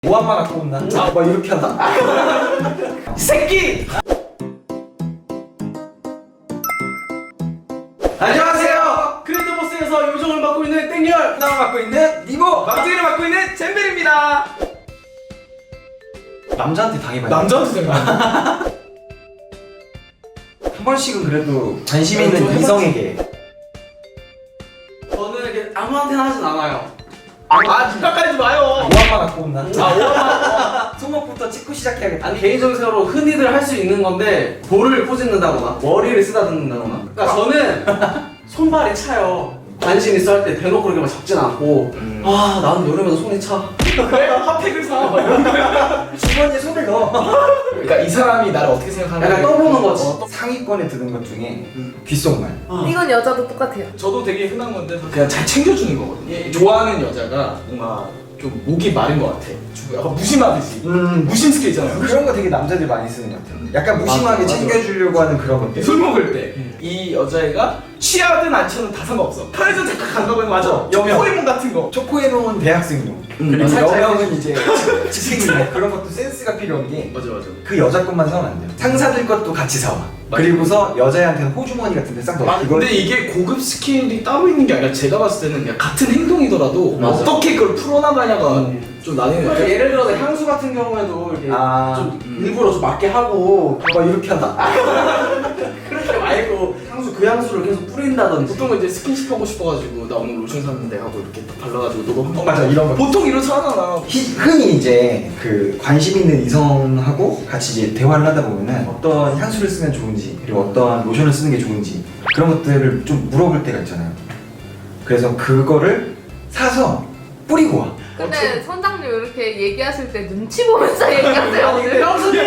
오한마 갖고 온나? 막 이렇게 하나? 이 새끼! 안녕하세요. 크리에이터버스에서 요정을 맡고 있는 땡열, 하나만 맡고 있는 니모! 막둥이를 맡고 있는 잼벨입니다. 남자한테 당해봐요. 남자한테 생각. 한 번씩은 그래도 관심 있는 좀 이성에게. 저는 이렇게 아무한테나 하진 않아요. 집착하지 마요. 오한마 갖고 온나? 오한마. 손목부터 찍고 시작해야겠다. 아니 개인적으로 흔히들 할 수 있는 건데 볼을 꼬집는다거나 머리를 쓰다듬는다거나. 그러니까 저는 손발이 차요. 관심 있어 할 때 대놓고 그렇게 막 잡진 않고 나는 여름에도 손이 차. 그래? 핫팩을 사. 막 이런 거야. 주머니에 손을 넣어. 그러니까 이 사람이 나를 어떻게 생각하는지 약간 떠보는 거지. 상위권에 드는 것 중에 귓속말. 이건 여자도 똑같아요. 저도 되게 흔한 건데 그냥 잘 챙겨주는 거거든요. 좋아하는 여자가 뭔가 좀 목이 마른 것 같아. 약간 무심하듯이. 무심 스킬 있잖아요. 그런 거 되게 남자들이 많이 쓰는 것 같아요. 약간 무심하게 맞아. 챙겨주려고 하는 그런 것들. 술 먹을 때 이 여자애가 취하든 안 취하든 다 상관없어. 편의점 잠깐 간다고 하면 맞아. 여명. 초코리몬 같은 거. 초코에몽은 대학생용. 그리고 살짝 여명은 이제 직생용. 그런 것도 센스가 필요한 게 맞아. 그 여자 것만 사면 안 돼요. 상사들 것도 같이 사와. 그리고서 여자애한테는 호주머니 같은 데 싹 넣어. 근데 이게 고급 스킬이 따로 있는 게 아니라 제가 봤을 때는 그냥 같은 행동이더라도 맞아. 어떻게 그걸 풀어나가냐가 좀 나뉘는 예를 들어서 향수 같은 경우에도 이렇게 좀 일부러 좀 맞게 하고 막 이렇게 한다. 그렇게 말고 향수 그 향수를 계속 뿌린다든지. 보통은 이제 스킨십 하고 싶어가지고 나 오늘 로션 샀는데 하고 이렇게 딱 발라가지고 너도 한번 맞아, 이런 거. 보통 이렇잖아. 흔히 이제 그 관심 있는 이성하고 같이 이제 대화를 하다 보면은 어떤 향수를 쓰면 좋은지 그리고 어떤 로션을 쓰는 게 좋은지 그런 것들을 좀 물어볼 때가 있잖아요. 그래서 그거를 사서 뿌리고 와. 근데 선장님 이렇게 얘기하실 때 눈치 보면서 얘기하세요. 아니 근데 형수님!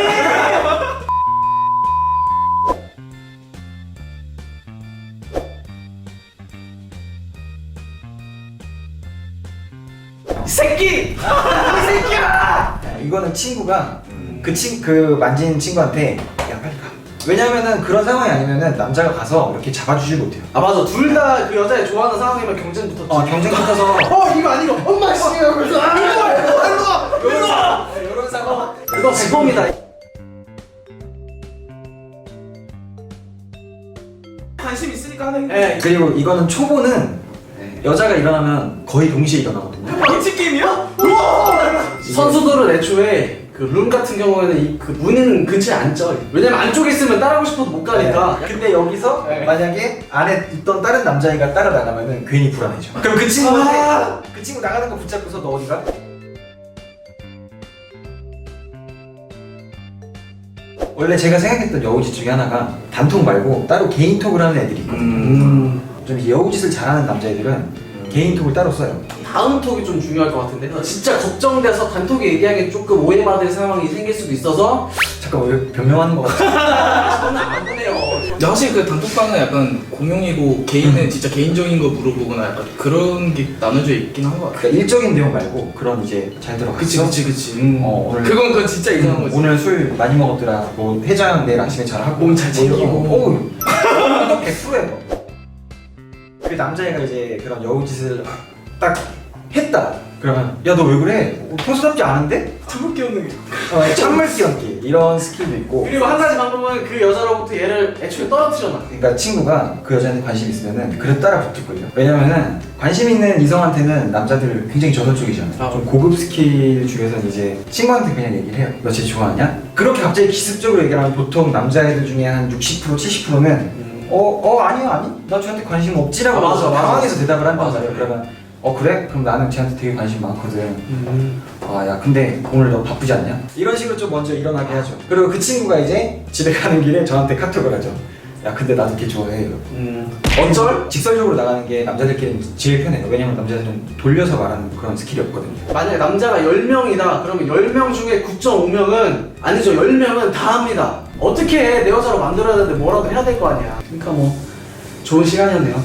이 새끼! 이 새끼야! 이거는 친구가 그 만진 친구한테 야 빨리 가. 왜냐면은 그런 상황이 아니면은 남자가 가서 이렇게 잡아주질 못해요. 아 맞아, 둘 다 그 여자애 좋아하는 상황이면 경쟁 붙었지. 경쟁 붙어서 이거 아니고 엄마 씨! 그래서 일로 와! 이런 상황. 그거 지범이다. 관심 있으니까 하는 행동. 예. 그리고 이거는 초보는 여자가 일어나면 거의 동시에 일어나거든요. 방치 게임이야? 우와! 선수들은 애초에 그 룸 같은 경우에는 그 문은 근처에 안 쪄. 왜냐면 안쪽에 있으면 따라오고 싶어도 못 가니까. 근데 여기서 네. 만약에 안에 있던 다른 남자애가 따라 나가면은 괜히 불안해져. 그럼 그 친구한테 그 친구 나가는 거 붙잡고서 너 어디 가? 원래 제가 생각했던 여우짓 중에 하나가 단톡 말고 따로 개인톡을 하는 애들이 있거든요. 좀 여우짓을 잘하는 남자애들은 개인톡을 따로 써요. 다음 톡이 좀 중요할 것 같은데 진짜 걱정돼서 단톡에 얘기하기 조금 오해받을 상황이 생길 수도 있어서 잠깐 왜 변명하는 거 같아? 저는 안 보내요. 근데 확실히 그 단톡방은 약간 공용이고 개인은 진짜 개인적인 거 물어보거나 약간 그런 게 나눠져 있긴 한 것 같아. 그러니까 일적인 내용 말고 그런 이제 잘 들어갔어? 그치. 오늘 그건 진짜 이상한 거지. 오늘 술 많이 먹었더라. 뭐 해장 내일 아침에 잘 하고 몸잘 챙기고. 오, 100%예요. 그 남자애가 이제 그런 여우짓을 딱 했다. 그러면 야 너 왜 그래? 평소답지 않은데? 참을 게 없는 게. 찬물 끼얹기 이런 스킬도 있고. 그리고 한 가지 방법은 그 여자로부터 얘를 애초에 떨어뜨려놔. 그러니까 친구가 그 여자한테 관심 있으면은 그래도 따라 붙을걸요. 왜냐면은 관심 있는 이성한테는 남자들 굉장히 저돌적이잖아요. 좀 고급 스킬 중에서는 이제 친구한테 그냥 얘기를 해요. 너 쟤 좋아하냐? 그렇게 갑자기 기습적으로 얘기하면 보통 남자애들 중에 한 60% 70%는 아니 나 쟤한테 관심 없지라고 맞아. 당황해서 대답을 한단 맞아. 말이에요. 그러면 그래? 그럼 나는 쟤한테 되게 관심 많거든. 야 근데 오늘 너 바쁘지 않냐? 이런 식으로 좀 먼저 일어나게 하죠. 그리고 그 친구가 이제 집에 가는 길에 저한테 카톡을 하죠. 야 근데 나도 걔 좋아해. 어쩔? 직설적으로 나가는 게 남자들끼리는 제일 편해요. 왜냐면 남자들은 돌려서 말하는 그런 스킬이 없거든요. 만약에 남자가 10명이다 그러면 10명 중에 9.5명은 아니죠, 10명은 다 합니다. 어떻게 내 여자로 만들어야 되는데 뭐라도 해야 될 거 아니야. 그러니까 뭐 좋은 시간이었네요.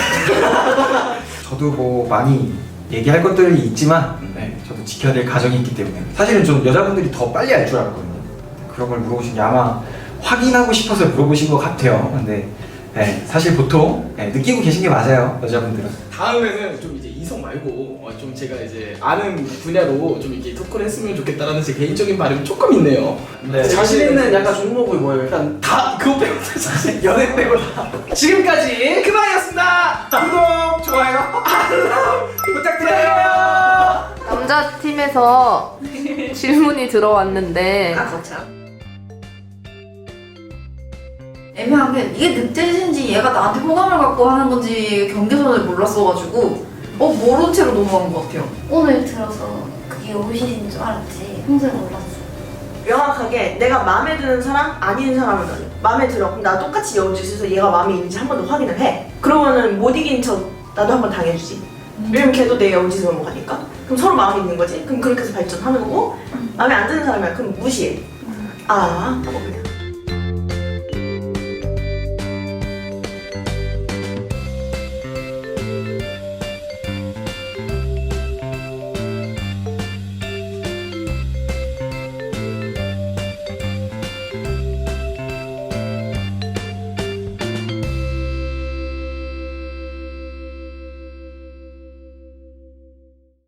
저도 뭐 많이 얘기할 것들이 있지만 저도 지켜야 될 가정이 있기 때문에 사실은 좀 여자분들이 더 빨리 알 줄 알았거든요. 그런 걸 물어보신 게 아마 확인하고 싶어서 물어보신 것 같아요. 근데 사실 보통 느끼고 계신 게 맞아요, 여자분들은. 다음에는 좀 이제 이성 말고 좀 제가 이제 아는 분야로 좀 이렇게 토크를 했으면 좋겠다라는 제 개인적인 바람이 조금 있네요. 자신 있는 약간 종목이 뭐예요? 일단 다 그거 빼고 다 자신. 연애 빼고 다. 지금까지 그만이었습니다. 구독, 좋아요, 알람 부탁드려요. 남자 팀에서 질문이 들어왔는데 거참 애매한 게 이게 늑대짓인지 얘가 나한테 호감을 갖고 하는 건지 경계선을 몰랐어가지고 모른 채로 넘어간 것 같아요. 오늘 들어서 그게 오실인 줄 알았지 평소에 몰랐어. 명확하게 내가 마음에 드는 사람 아닌 사람을 가져. 마음에 들어. 그럼 나 똑같이 여우짓에서 얘가 마음에 있는지 한 번 더 확인을 해. 그러면은 못 이긴 척 나도 한 번 당해주지. 왜냐면 걔도 내 여우짓을 넘어가니까. 그럼 서로 마음에 있는 거지. 그럼 그렇게 해서 발전하는 거고 마음에 안 드는 사람이야. 그럼 무시해. 하고 그냥.